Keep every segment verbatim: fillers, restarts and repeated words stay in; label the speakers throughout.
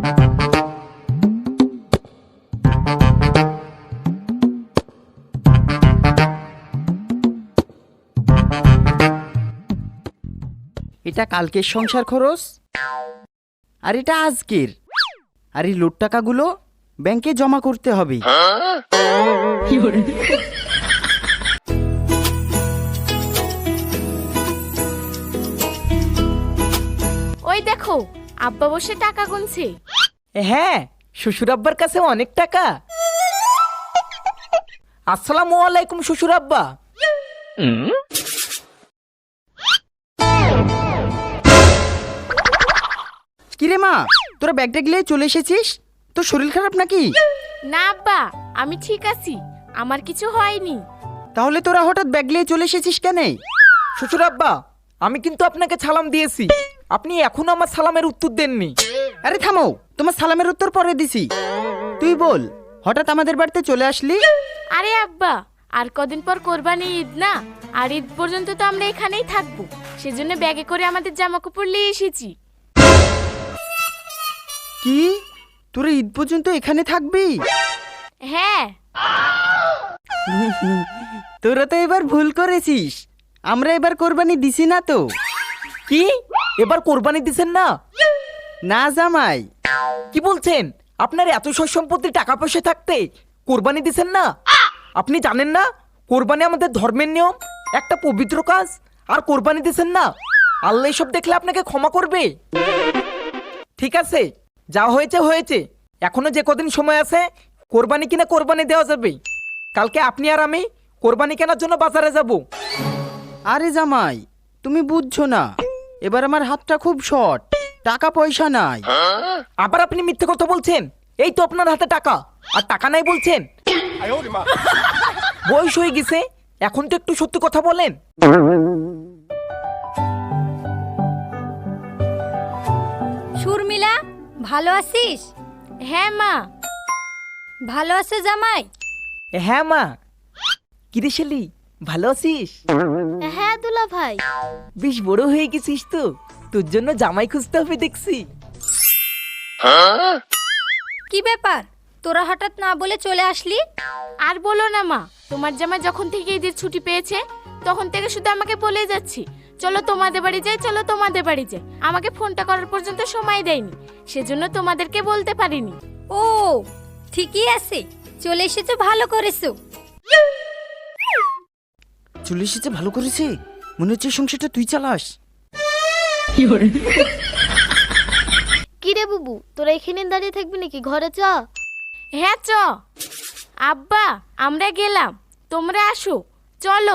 Speaker 1: এটা কালকের সংসার খরচ, আর এটা আজকের। আর এই লোড টাকাগুলো ব্যাংকে জমা করতে হবে।
Speaker 2: ওই দেখো, আব্বা বসে টাকা গুনছে।
Speaker 3: হ্যাঁ, শ্বশুর আব্বার কাছে অনেক টাকা। আসসালামু আলাইকুম শ্বশুর আব্বা।
Speaker 1: কিরে মা, তোরা ব্যাগটা গিয়ে চলে এসেছিস? তোর শরীর খারাপ নাকি?
Speaker 2: না আব্বা, আমি ঠিক আছি, আমার কিছু হয়নি।
Speaker 1: তাহলে তোরা হঠাৎ ব্যাগ নিয়ে চলে এসেছিস কেন?
Speaker 3: শ্বশুর আব্বা, আমি কিন্তু আপনাকে সালাম দিয়েছি, আপনি এখনো আমার সালামের উত্তর দেননি।
Speaker 1: আরে থামো, তোমার সালামের উত্তর পরে দিছি। তুই বল, হঠাৎ আমাদের বাড়িতে চলে আসলি?
Speaker 2: আরে আব্বা, আর কদিন পর কোরবানি ঈদ না, আর ঈদ পর্যন্ত তো আমরা এখানেই থাকবো, সেজন্য ব্যাগে করে আমাদের জামা কাপড় নিয়ে এসেছি।
Speaker 1: কি, তোরা ঈদ পর্যন্ত এখানে থাকবি?
Speaker 2: হ্যাঁ।
Speaker 1: তোরা তো এবার ভুল করেছিস, আমরা এবার কোরবানি দিছি না তো।
Speaker 3: কি, এবার কোরবানি দিছেন না?
Speaker 1: না জামাই।
Speaker 3: কি বলছেন? আপনার এত সয় সম্পত্তি, টাকা পয়সা থাকতে কোরবানি দিছেন না? আপনি জানেন না কোরবানি আমাদের ধর্মের নিয়ম, একটা পবিত্র কাজ, আর কোরবানি দিছেন না? আল্লাহ এসব দেখলে আপনাকে ক্ষমা করবে। ঠিক আছে, যা হয়েছে হয়েছে, এখনো যে কদিন সময় আছে কোরবানি কিনা কোরবানি দেওয়া যাবে। কালকে আপনি আর আমি কোরবানি কেনার জন্য বাজারে যাব।
Speaker 1: আরে জামাই, তুমি বুঝছো না, এবার আমার হাতটা খুব শর্ট, টাকা পয়সা নাই।
Speaker 3: আবার আপনি মিথ্যে কথা বলছেন। এই তো আপনার হাতে টাকা, আর টাকা নাই বলছেন। বয়স হয়ে গেছে, এখন তো একটু সত্যি কথা বলেন।
Speaker 4: শর্মিলা, ভালো আছিস?
Speaker 2: হ্যাঁ মা।
Speaker 4: ভালো আছে জামাই?
Speaker 3: হ্যাঁ মা। কিরে শালি, ভালো আছিস?
Speaker 4: হ্যাঁ দুলা ভাই।
Speaker 3: বেশ বড় হয়ে গেছিস তো, তোর জন্য জামাই খুঁজতে হবে দেখছি।
Speaker 4: কি ব্যাপার, তোরা হঠাৎ না বলে চলে আসলি?
Speaker 2: আর বলো না মা, তোমার জামাই যখন থেকে ঈদের ছুটি পেয়েছে তখন থেকে শুধু আমাকে বলে যাচ্ছি, চলো তোমাদের বাড়ি যাই, চলো তোমাদের বাড়ি যাই। আমাকে ফোনটা করার পর্যন্ত সময় দেয়নি, সেজন্য তোমাদেরকে বলতে পারিনি।
Speaker 4: ও ঠিকই আছে, চলে এসেছো, ভালো করেছো।
Speaker 1: চলে এসেছে, ভালো করেছে। মনে হচ্ছে সংসারটা তুই চালাস।
Speaker 5: কি রে বুবু, তোরা এখানে দাঁড়িয়ে থাকবি নাকি? ঘরে চ।
Speaker 2: হ্যাঁ চ। আব্বা, আমরা গেলাম, তোমরা আসো, চলো।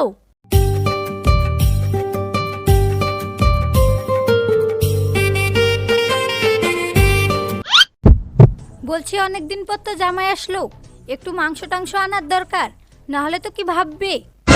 Speaker 4: বলছি অনেকদিন পর তো জামাই আসলো, একটু মাংস টাংস আনার দরকার, না হলে তো কি ভাববে।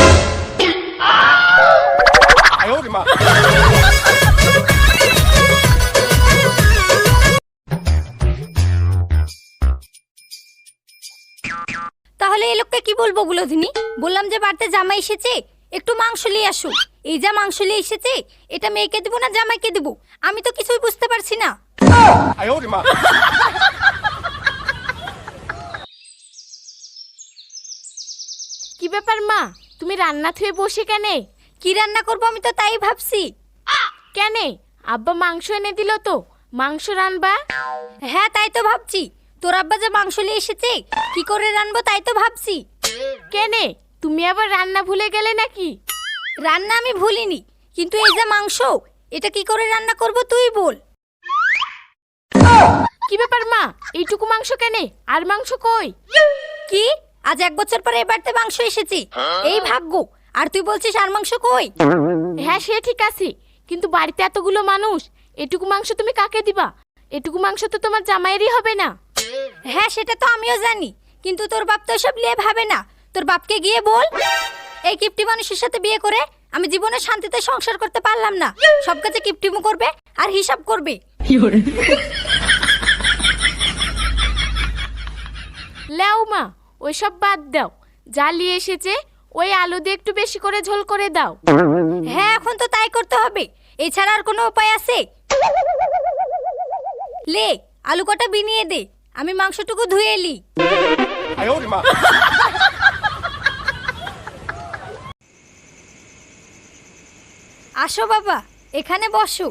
Speaker 4: তাহলে এই লোককে কি বলবো গুলোধিনী? বললাম যে বাড়িতে জামাই এসেছে, একটু মাংস নিয়ে আসো। এই যা মাংস নিয়ে এসেছে, এটা মেয়েকে দেবো না জামাইকে দেবো, আমি তো কিছুই বুঝতে পারছি না।
Speaker 2: কি ব্যাপার মা, তুমি রান্না থুয়ে বসে কেনে?
Speaker 4: কি রান্না করবো আমি তো তাই ভাবছি।
Speaker 2: কেনে, আব্বা মাংস এনে দিল তো, মাংস রান্না?
Speaker 4: হ্যাঁ তাই তো ভাবছি, তোর আব্বা যে মাংস নিয়ে এসেছে কি করে রান্নাবো তাই তো ভাবছি।
Speaker 2: কেনে, তুমি আবার রান্না ভুলে গেলে নাকি?
Speaker 4: রান্না আমি ভুলিনি, কিন্তু এই যে মাংস, এটা কি করে রান্না করব তুই বল।
Speaker 2: কি ব্যাপার মা, এইটুকু মাংস কেনে, আর মাংস কই?
Speaker 4: কি, আজ এক বছর পরে এবারতে মাংস এসেছে, এই ভাগ্য, আর তুই বলছিস আর মাংস কই?
Speaker 2: হ্যাঁ সে ঠিক আছে, কিন্তু বাড়িতে এতগুলো মানুষ, এটুকু মাংস তুমি কাকে দিবা? এটুকু মাংস তো তোমার জামাইয়েরই হবে না।
Speaker 4: হ্যাঁ সেটা তো আমিও জানি, কিন্তু তোর বাপ তো সব নিয়ে ভাবে না। তোর বাপকে গিয়ে বল, এই কিপটি মানুষের সাথে বিয়ে করে আমি জীবনে শান্তিতে সংসার করতে পারলাম না, সব কাজে কিপটিমু করবে আর হিসাব করবে।
Speaker 2: লেও মা, ওইসব বাদ দাও, যা নিয়ে এসেছে ওই আলু দিয়ে একটু বেশি করে ঝোল করে দাও।
Speaker 4: হ্যাঁ এখন তো তাই করতে হবে, এছাড়া আর কোনো উপায় আছে? লে আলু কটা বিনিয়ে দে, আমি মাংসটুকু ধুয়ে এলি। আসো বাবা, এখানে বসো।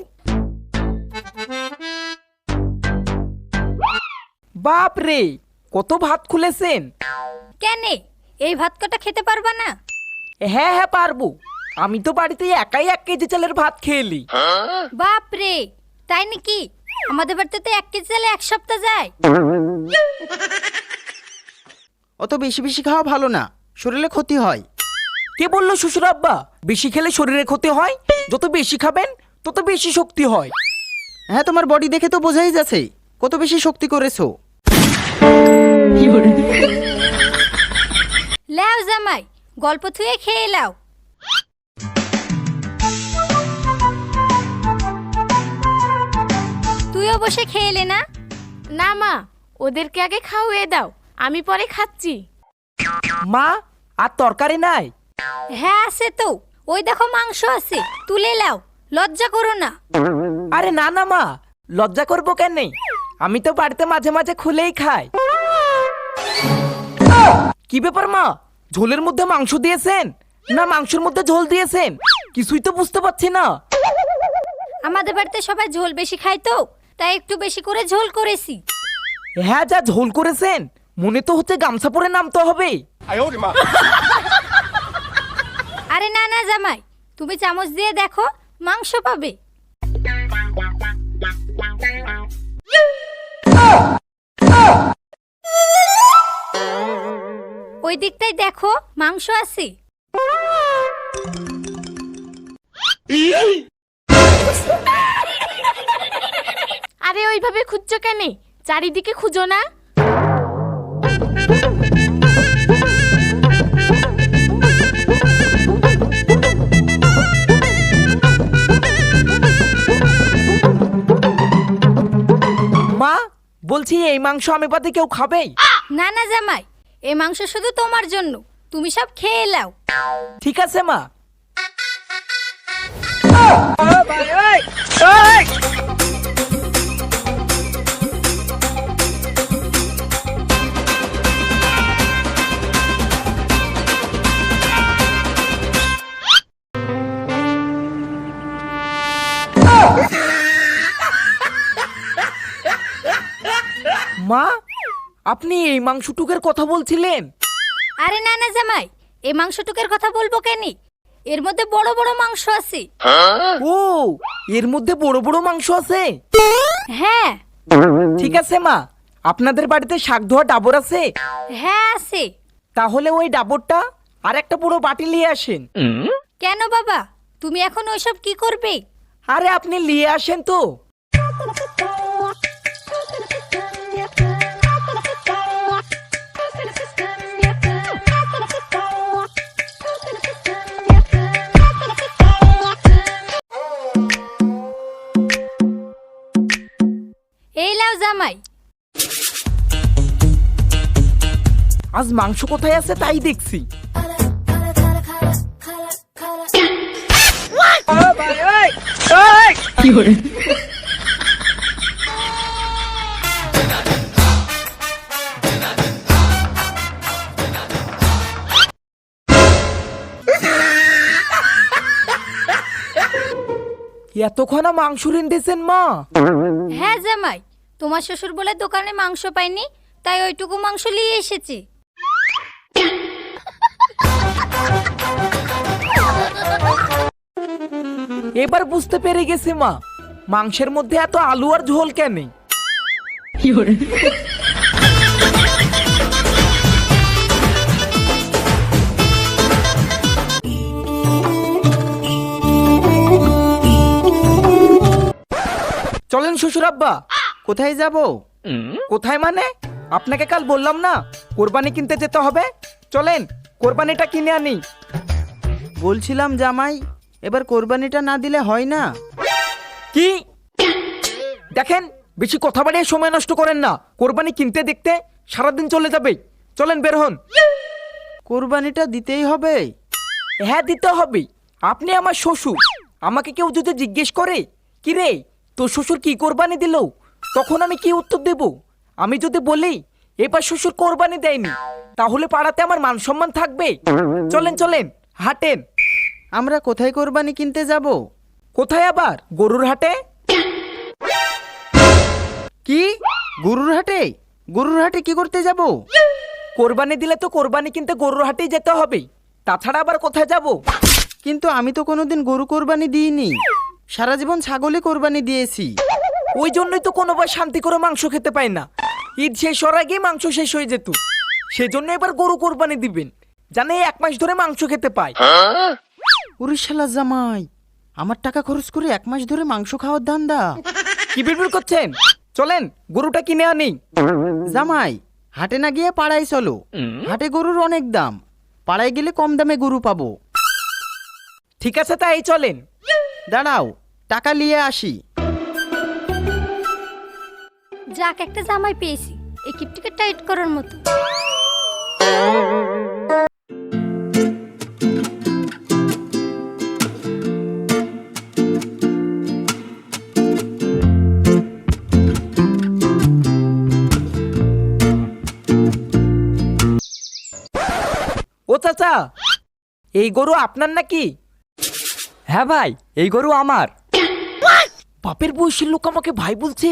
Speaker 3: বাপ রে, কত ভাত খুলেছেন!
Speaker 4: কেনে, এই ভাত কটা খেতে পারবা না?
Speaker 3: হ্যাঁ হ্যাঁ পারবো, আমি তো বাড়িতে একাই এক কেজি চালের ভাত খেয়েলি।
Speaker 4: বাপ রে, তাই নাকি? আমাদের বাড়িতে তো এক কেজি চালে এক সপ্তাহ যায়।
Speaker 1: অত বেশি বেশি খাওয়া ভালো না, শরীরে ক্ষতি হয়।
Speaker 3: কে বললো শ্বশুর আব্বা বেশি খেলে শরীরে ক্ষতি হয়? যত বেশি খাবেন তত বেশি শক্তি হয়।
Speaker 1: হ্যাঁ, তোমার বডি দেখে তো বোঝাই যাচ্ছে কত বেশি শক্তি করেছো।
Speaker 4: লাও জামাই, গল্প থুয়ে খেয়ে লাও। তুইও বসে খেয়ে এলে না?
Speaker 2: না মা, ওদেরকে আগে খাওয়িয়ে দাও, আমি পরে খাচ্ছি।
Speaker 3: মা, আর তরকারি নাই?
Speaker 4: হ্যাঁ আছে তো, ওই দেখো মাংস আছে, তুলে লাও, লজ্জা করো না।
Speaker 3: আরে না না মা, লজ্জা করবো কেন? আমি তো বাড়িতে মাঝে মাঝে খুলেই খাই। কি ব্যাপার মা, ঝোলের মধ্যে মাংস দিয়েছেন না মাংসের মধ্যে ঝোল দিয়েছেন? কিছুই তো বুঝতে পারছি না।
Speaker 4: আমাদের বাড়িতে সবাই ঝোল বেশি খায় তো, তাই একটু বেশি করে ঝোল করেছি।
Speaker 3: হ্যাঁ, যা ঝোল করেছেন মনে তো হচ্ছে গামছা পরে নামতে হবে।
Speaker 4: আরে না না জামাই, তুমি চামচ দিয়ে দেখো, মাংস পাবে। ওই দিকটাই দেখো, মাংস আছে।
Speaker 2: আরে ওইভাবে খুঁজছো কেন? চারিদিকে খুঁজো না।
Speaker 3: মা, বলছি এই মাংস আমি বাদে কেউ খাবে?
Speaker 4: না না জামাই, এই মাংস শুধু তোমার জন্য, তুমি সব খেয়ে নাও।
Speaker 3: ঠিক আছে মা। মা, আপনি এই মাংসটুকের কথা বলছিলেন?
Speaker 4: আরে না না জামাই, এই মাংসটুকের কথা বলবো কেন? এর মধ্যে বড় বড় মাংস আছে।
Speaker 3: ও, এর মধ্যে বড় বড় মাংস আছে?
Speaker 4: হ্যাঁ
Speaker 3: ঠিক আছে মা, আপনাদের বাড়িতে শাক ধোয়া ডাবর আছে?
Speaker 4: হ্যাঁ আছে।
Speaker 3: তাহলে ওই ডাবরটা আর একটা পুরো বাটি নিয়ে আসেন।
Speaker 4: কেন বাবা, তুমি এখন ওইসব কি করবে?
Speaker 3: আরে আপনি নিয়ে আসেন তো।
Speaker 4: এই লাও জামাই।
Speaker 3: আজ মাংস কোথায় আছে তাই দেখছি। এতক্ষণা মাংস রেঁধেছেন মা?
Speaker 4: হ্যাঁ জামাই, তোমার শ্বশুর বলে দোকানে মাংস পাইনি, তাই ওইটুকু মাংস নিয়ে এসেছি।
Speaker 3: এবার বুঝতে পেরে গেছি মা, মাংসের মধ্যে এত আলু আর ঝোল কেন। চলেন শ্বশুর আব্বা।
Speaker 1: কোথায় যাব?
Speaker 3: কোথায় মানে? আপনাকে কাল বললাম না কোরবানি কিনতে যেতে হবে, চলেন কোরবানিটা কিনে আনি।
Speaker 1: বলছিলাম জামাই, এবার কোরবানিটা না দিলে হয় না?
Speaker 3: কি দেখেন, বেশি কথা বাড়িয়ে সময় নষ্ট করেন না। কোরবানি কিনতে দেখতে সারাদিন চলে যাবে, চলেন বের হন।
Speaker 1: কোরবানিটা দিতেই হবে?
Speaker 3: হ্যাঁ দিতে হবে, আপনি আমার শ্বশুর। আমাকে কেউ যদি জিজ্ঞেস করে কি রে তোর শ্বশুর কি কোরবানি দিল, তখন আমি কি উত্তর দেব? আমি যদি বলি এবার শ্বশুর কোরবানি দেয়নি, তাহলে পাড়াতে আমার মান সম্মান থাকবে? চলেন চলেন হাটেন।
Speaker 1: আমরা কোথায় কোরবানি কিনতে যাব?
Speaker 3: কোথায় আবার? গরুর হাটে।
Speaker 1: কি গরুর হাটে? গরুর হাটে কি করতে যাব?
Speaker 3: কোরবানি দিলে তো কোরবানি কিনতে গরুর হাটেই যেতে হবে, তাছাড়া আবার কোথায় যাব?
Speaker 1: কিন্তু আমি তো কোনোদিন গরু কোরবানি দিইনি, সারা জীবন ছাগলে কোরবানি দিয়েছি।
Speaker 3: ওই জন্যই তো কোনোবার শান্তি করে মাংস খেতে পাই না। ঈদ শেষ হওয়ার আগেই মাংস শেষ হয়ে যেত, সেজন্য এবার গরু কোরবানি দিবেন, জানে এক মাস ধরে মাংস খেতে পাই।
Speaker 1: উড়িষ্যালা জামাই, আমার টাকা খরচ করে এক মাস ধরে মাংস খাওয়ার ধান্দা।
Speaker 3: কি বিড়বিড় করছেন? চলেন গরুটা কিনে আনি।
Speaker 1: জামাই, হাটে না গিয়ে পাড়ায় চলো, হাটে গরুর অনেক দাম, পাড়ায় গেলে কম দামে গরু পাবো।
Speaker 3: ঠিক আছে তাই চলেন।
Speaker 1: দাঁড়াও, টাকা নিয়ে আসি।
Speaker 4: যাক, একটা জামাই পেয়েছি এই কিপটিকে টাইট করার মতো।
Speaker 3: ও চাচা, এই গরু আপনার নাকি? হ্যাঁ ভাই, এই গরু আমার। বাপের বয়সের লোক আমাকে ভাই বলছে।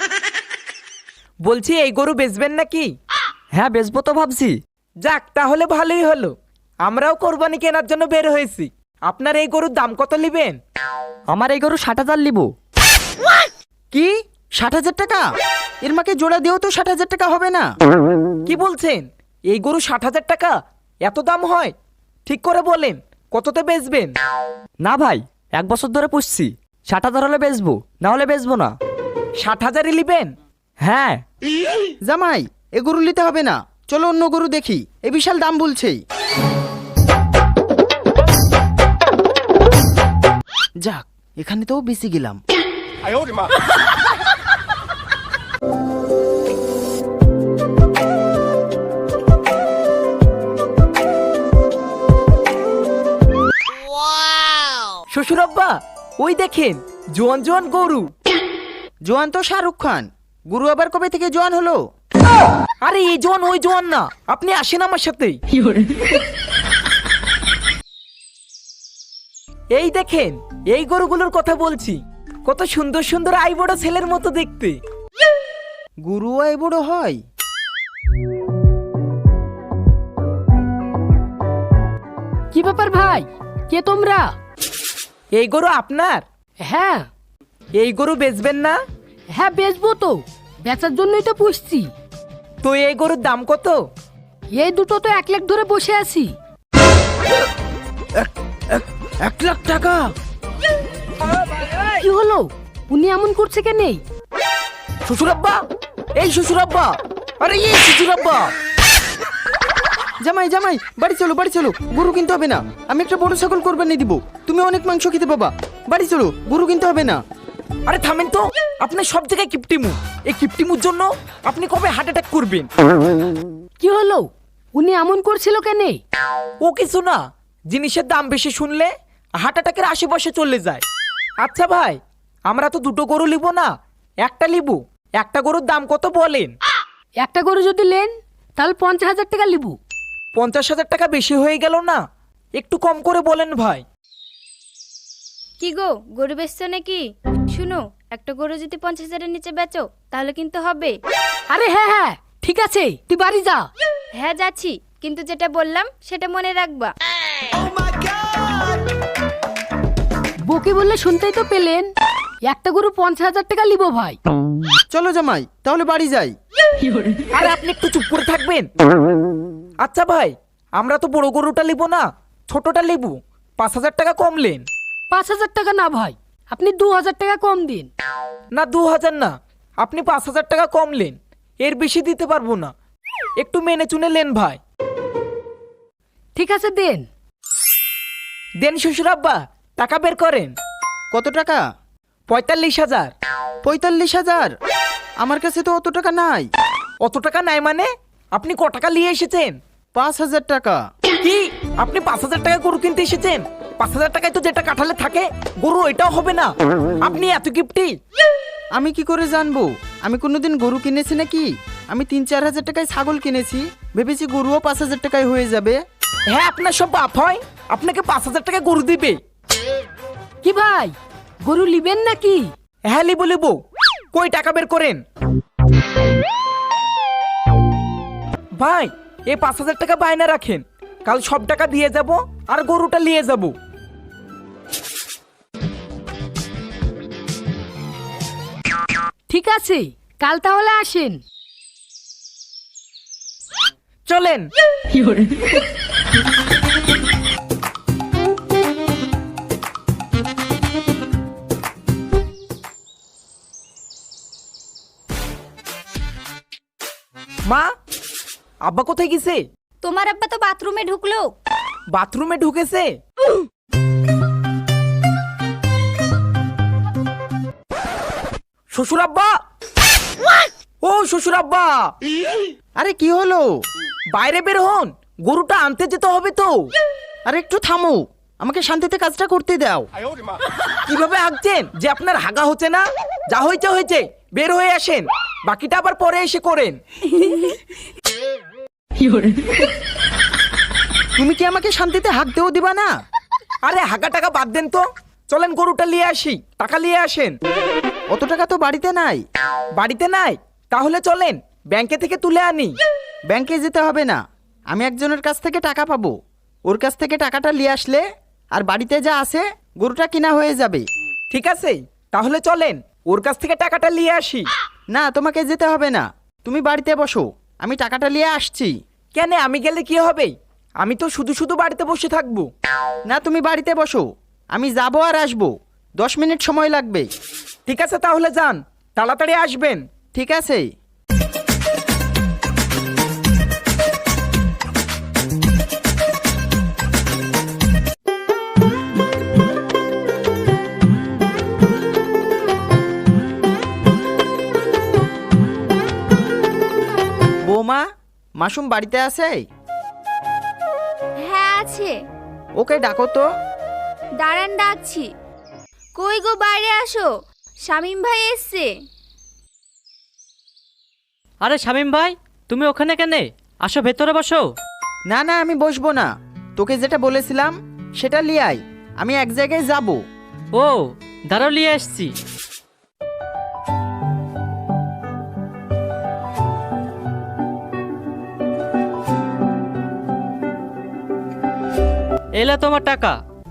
Speaker 3: বলছি এই গরু বেচবেন নাকি? হ্যাঁ বেচবো তো ভাবছি। যাক, তাহলে ভালোই হলো, আমরাও কোরবানি কেনার জন্য বের হয়েছি। আপনার এই গরুর দাম কত নেবেন? আমার এই গরু ষাট হাজার নিব।
Speaker 1: কি ষাট হাজার টাকা? এর মাকে জোড়া দিয়েও তো ষাট হাজার টাকা হবে না।
Speaker 3: কি বলছেন? এই গরু ষাট হাজার টাকা? এত দাম হয়? ঠিক করে বলেন, কততে বেচবেন? না ভাই, এক বছর ধরে পুষছি, ষাট হাজার হলে বেচবো, না হলে বেচবো না। ষাট হাজারই নিবেন? হ্যাঁ।
Speaker 1: জামাই, এ গরু নিতে হবে না, চলো অন্য গরু দেখি, এ বিশাল দাম বলছে। যাক, এখানে তো বেশি গেলাম।
Speaker 3: শ্বশুর আব্বা, ওই দেখেন জোয়ান জোয়ান গরু।
Speaker 1: জোয়ান তো শাহরুখ খান, গরু আবার কবে থেকে জোয়ান হলো?
Speaker 3: আরে এই জোয়ান ওই জোয়ান না, আপনি আসেন আমার সাথে। এই দেখেন, এই গরুগুলোর কথা বলছি, কত সুন্দর সুন্দর আই বড় ছেলের মতো দেখতে।
Speaker 1: গরু এই বড় হয়?
Speaker 6: কি ব্যাপার ভাই, কে তোমরা?
Speaker 3: এই গরু আপনার?
Speaker 6: হ্যাঁ।
Speaker 3: এই গরু বেচবেন না?
Speaker 6: হ্যাঁ বেচবো তো, বেচার জন্যই তো পুষছি।
Speaker 3: তো এই গরুর দাম কত?
Speaker 6: এই দুটো তো এক লাখ ধরে বসে আছি।
Speaker 1: এক লাখ টাকা?
Speaker 6: কি হলো, উনি এমন করছে কেন?
Speaker 3: শ্বশুর আব্বা, এই শ্বশুর আব্বা, আরে এই শ্বশুর আব্বা।
Speaker 1: জামাই জামাই, বাড়ি চলো বাড়ি চলো, গরু কিনতে হবে না, আমি একটা বড় ছাগল কোরবানি দিব, তুমি অনেক মাংস খেতে পাবা। বাড়ি চলো, গরু কিনতে হবে না।
Speaker 3: আরে থামেন তো, আপনার সব জায়গায় কিপটিমু। এই কিপটিমুর জন্য আপনি কবে হার্ট অ্যাটাক করবেন?
Speaker 6: কি হলো, উনি এমন করছিল কেন?
Speaker 3: ও কিছু না, জিনিসের দাম বেশি শুনলে হার্ট অ্যাটাকের আশেপাশে চলে যায়। আচ্ছা ভাই, আমরা তো দুটো গরু নিব না, একটা নিব। একটা গরুর দাম কত বলেন?
Speaker 6: একটা গরু যদি নেন তাহলে পঞ্চাশ হাজার টাকা লিবু।
Speaker 3: পঞ্চাশ হাজার টাকা বেশি হয়ে গেল না? একটু কম করে বলেন ভাই।
Speaker 2: কি গো, গরু বেচছো নাকি? শুনো, একটা গরু যদি পঞ্চাশ হাজারের নিচে বেচো তাহলে কিন্তু হবে।
Speaker 6: আরে হ্যাঁ হ্যাঁ ঠিক আছে, তুই বাড়ি যা।
Speaker 2: হ্যাঁ যাচ্ছি, কিন্তু যেটা বললাম সেটা মনে রাখবা।
Speaker 6: বকে বললে শুনতেই তো পেলেন, একটা গরু পঞ্চাশ হাজার টাকা লিবো ভাই।
Speaker 1: চলো জামাই, তাহলে বাড়ি যাই।
Speaker 3: আরে আপনি একটু চুপ করে থাকবেন। আচ্ছা ভাই, আমরা তো বড় গরুটা নিব না, ছোটটা নিব, পাঁচ হাজার টাকা কমলেন।
Speaker 6: পাঁচ হাজার টাকা না ভাই, আপনি দু হাজার টাকা কম দিন।
Speaker 3: না দু হাজার না, আপনি পাঁচ হাজার টাকা কমলেন, এর বেশি দিতে পারবো না, একটু মেনে চুনে নেন ভাই।
Speaker 6: ঠিক আছে দেন।
Speaker 3: দেন শ্বশুর আব্বা, টাকা বের করেন।
Speaker 1: কত টাকা?
Speaker 3: পঁয়তাল্লিশ হাজার।
Speaker 1: পঁয়তাল্লিশ হাজার? আমার কাছে তো অত টাকা নাই।
Speaker 3: অত টাকা নাই মানে? আপনি ক টাকা নিয়ে এসেছেন?
Speaker 1: পাঁচ হাজার টাকা।
Speaker 3: কি, আপনি পাঁচ হাজার টাকা গরু কিনতে এসেছেন? পাঁচ হাজার টাকায় তো যেটা কাঠালে থাকে গরু, এটাও হবে না। আপনি এত গিফটি?
Speaker 1: আমি কি করে জানবো? আমি কোনোদিন গরু কিনেছি নাকি? আমি তিন চার হাজার টাকায় ছাগল কিনেছি, ভেবেছি গরুও পাঁচ হাজার টাকায় হয়ে যাবে।
Speaker 3: হ্যাঁ, আপনার সব বাপ হয়, আপনাকে পাঁচ হাজার টাকা গরু দিবে।
Speaker 6: কি ভাই, গরু লিবেন নাকি?
Speaker 3: হ্যাঁ লিবো লিবো, কই টাকা বের করেন। ভাই, এই পাঁচ হাজার টাকা বায়না রাখেন, কাল সব টাকা দিয়ে যাব আর গরুটা নিয়ে যাব।
Speaker 6: ঠিক আছে, কাল তাহলে আসেন।
Speaker 3: চলেন। মা, আব্বা কোথায় গেছে?
Speaker 4: তোমার আব্বা তো বাথরুমে ঢুকলো।
Speaker 3: বাথরুমে ঢুকেছে? শ্বশুর আব্বা, ও শ্বশুর আব্বা,
Speaker 1: আরে কি হলো?
Speaker 3: বাইরে বের হন, গরুটা আনতে যেতে হবে তো।
Speaker 1: আরে একটু থামো, আমাকে শান্তিতে কাজটা করতে দাও।
Speaker 3: কিভাবে হাঁকছেন যে আপনার হাগা হচ্ছে না? যা হয়েছে হয়েছে, বের হয়ে আসেন, বাকিটা আবার পরে এসে করেন।
Speaker 1: তুমি কি আমাকে শান্তিতে হাঁকতেও দিবা না?
Speaker 3: আরে হাগা টাকা বাদ দেন তো, চলেন গরুটা নিয়ে আসি, টাকা নিয়ে আসেন।
Speaker 1: অত টাকা তো বাড়িতে নাই।
Speaker 3: বাড়িতে নাই? তাহলে চলেন ব্যাংকে থেকে তুলে আনি।
Speaker 1: ব্যাংকে যেতে হবে না, আমি একজনের কাছ থেকে টাকা পাবো, ওর কাছ থেকে টাকাটা নিয়ে আসলে আর বাড়িতে যা আছে গরুটা কিনা হয়ে যাবে।
Speaker 3: ঠিক আছে, তাহলে চলেন ওর কাছ থেকে টাকাটা নিয়ে আসি।
Speaker 1: না, তোমাকে যেতে হবে না, তুমি বাড়িতে বসো, আমি টাকাটা নিয়ে আসছি।
Speaker 3: কেন, আমি গেলে কি হবে? আমি তো শুধু শুধু বাড়িতে বসে থাকবো।
Speaker 1: না, তুমি বাড়িতে বসো, আমি যাবো আর আসবো, দশ মিনিট সময় লাগবে।
Speaker 3: ঠিক আছে, তাহলে যান, তাড়াতাড়ি আসবেন।
Speaker 1: ঠিক আছে। বৌমা, মাসুম বাড়িতে আছে?
Speaker 2: হ্যাঁ আছে।
Speaker 1: ওকে ডাকো তো।
Speaker 2: দাঁড়ান ডাকছি। কই গো, বাইরে আসো, শামিম ভাই এসছে।
Speaker 7: আরে শামিম ভাই, তুমি ওখানে কেন? আসো ভেতরে বসো।
Speaker 1: না না, আমি বসবো না, তোকে যেটা বলেছিলাম সেটা লিয়ে আয়, আমি এক জায়গায় যাব।
Speaker 7: ও, দাঁড়াও নিয়ে আসছি। এলা তোমার টাকা।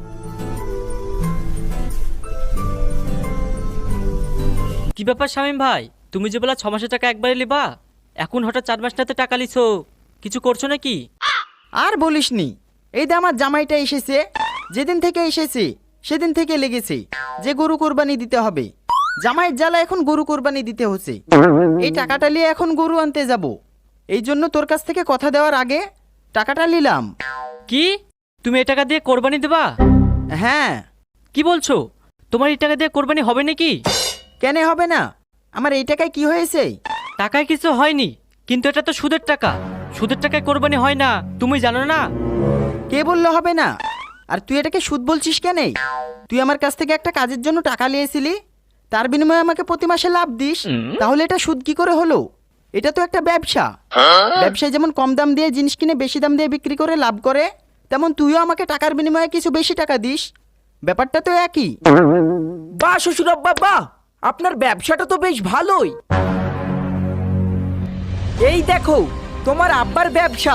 Speaker 7: কি ব্যাপার শামিম ভাই, তুমি যে বলা ছ মাসের টাকা একবারে লিবা, এখন হঠাৎ চার মাস নাতে টাকা লিছো, কিছু করছো নাকি?
Speaker 1: আর বলিসনি, এই যে আমার জামাইটা এসেছে, যেদিন থেকে এসেছে সেদিন থেকে লেগেছে যে গরু কোরবানি দিতে হবে। জামাইয়ের জ্বালা এখন গরু কোরবানি দিতে হচ্ছে, এই টাকাটা নিয়ে এখন গরু আনতে যাব, এই জন্য তোর কাছ থেকে কথা দেওয়ার আগে টাকাটা নিলাম।
Speaker 7: কি, তুমি এই টাকা দিয়ে কোরবানি দেবা?
Speaker 1: হ্যাঁ।
Speaker 7: কি বলছো, তোমার এই টাকা দিয়ে কোরবানি হবে নাকি?
Speaker 1: কেন হবে না? আমার এই টাকায় কি হয়েছে?
Speaker 7: টাকায় কিছু হয়নি, কিন্তু এটা তো সুদের টাকা, সুদের টাকায় কোরবানি হয় না, তুমি জানো না?
Speaker 1: কে বললো হবে না? আর তুই এটাকে সুদ বলছিস কেন? তুই আমার কাছ থেকে একটা কাজের জন্য টাকা নিয়েছিলি, তার বিনিময়ে আমাকে প্রতি মাসে লাভ দিস, তাহলে এটা সুদ কি করে হলো? এটা তো একটা ব্যবসা। ব্যবসায় যেমন কম দাম দিয়ে জিনিস কিনে বেশি দাম দিয়ে বিক্রি করে লাভ করে, তেমন তুইও আমাকে টাকার বিনিময়ে কিছু বেশি টাকা দিস, ব্যাপারটা তো একই।
Speaker 3: বাহ শ্বশুর আব্বা, বাহ, আপনার ব্যবসাটা তো বেশ ভালোই। এই দেখো তোমার আব্বার ব্যবসা।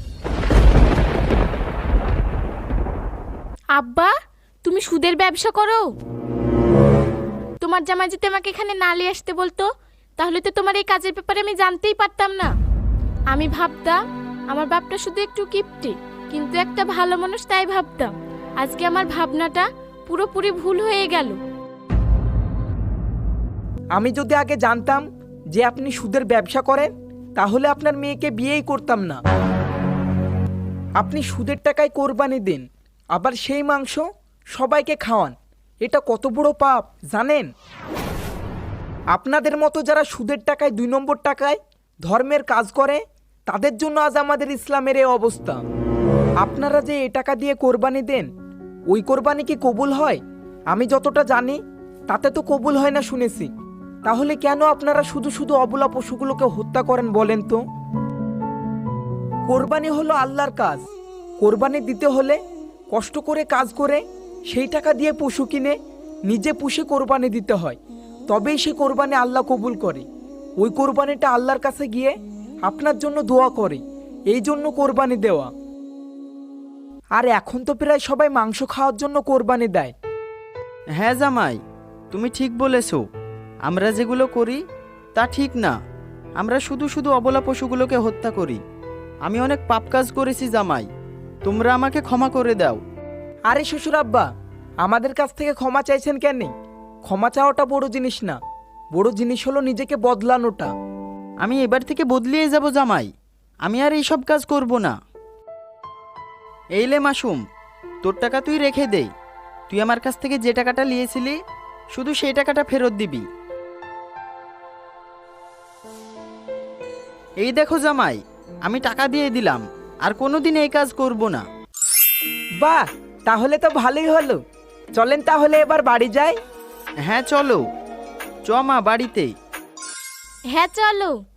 Speaker 2: আব্বা, তুমি সুদের ব্যবসা করো? তোমার জামাই যদি আমাকে এখানে না নিয়ে আসতে বলতো, তাহলে তো তোমার এই কাজের ব্যাপারে আমি জানতেই পারতাম না। আমি ভাবতাম আমার বাপটা শুধু একটু কিপটে, কিন্তু একটা ভালো মানুষ, তাই ভাবতাম। আজকে আমার ভাবনাটা পুরোপুরি ভুল হয়ে গেল।
Speaker 3: আমি যদি আগে জানতাম যে আপনি সুদের ব্যবসা করেন, তাহলে আপনার মেয়েকে বিয়েই করতাম না। আপনি সুদের টাকায় কোরবানি দেন, আবার সেই মাংস সবাইকে খাওয়ান, এটা কত বড় পাপ জানেন? আপনাদের মতো যারা সুদের টাকায় দুই নম্বর টাকায় ধর্মের কাজ করে, তাদের জন্য আজ আমাদের ইসলামের এই অবস্থা। আপনারা যে এই টাকা দিয়ে কোরবানি দেন, ওই কোরবানি কি কবুল হয়? আমি যতটা জানি তাতে তো কবুল হয় না শুনেছি। তাহলে কেন আপনারা শুধু শুধু অবলা পশুগুলোকে হত্যা করেন বলেন তো? কোরবানি হলো আল্লাহর কাজ। কোরবানি দিতে হলে কষ্ট করে কাজ করে সেই টাকা দিয়ে পশু কিনে নিজে পুষে কোরবানি দিতে হয়, তবেই সে কোরবানি আল্লাহ কবুল করে। ওই কোরবানিটা আল্লাহর কাছে গিয়ে আপনার জন্য দোয়া করে, এই জন্য কোরবানি দেওয়া। আর এখন তো প্রায় সবাই মাংস খাওয়ার জন্য কোরবানি দেয়।
Speaker 1: হ্যাঁ জামাই, তুমি ঠিক বলেছো। আমরা যেগুলো করি তা ঠিক না। আমরা শুধু শুধু অবলা পশুগুলোকে হত্যা করি। আমি অনেক পাপ কাজ করেছি জামাই, তোমরা আমাকে ক্ষমা করে দাও।
Speaker 3: আরে শ্বশুর আব্বা, আমাদের কাছ থেকে ক্ষমা চাইছেন কেন? ক্ষমা চাওয়াটা বড় জিনিস না, বড় জিনিস হলো নিজেকে বদলানোটা।
Speaker 1: আমি এবার থেকে বদলিয়ে যাব জামাই, আমি আর এইসব কাজ করব না। এইলে মাসুম, তোর টাকা তুই রেখে দে। তুই আমার কাছ থেকে যে টাকাটা নিয়েছিলি শুধু সেই টাকাটা ফেরত দিবি। এই দেখো জামাই, আমি টাকা দিয়ে দিলাম, আর কোনোদিন এই কাজ করব না।
Speaker 3: বাহ, তাহলে তো ভালোই হলো। চলেন তাহলে এবার বাড়ি যাই।
Speaker 1: হ্যাঁ চলো, চ মা বাড়িতে।
Speaker 2: হ্যাঁ চলো।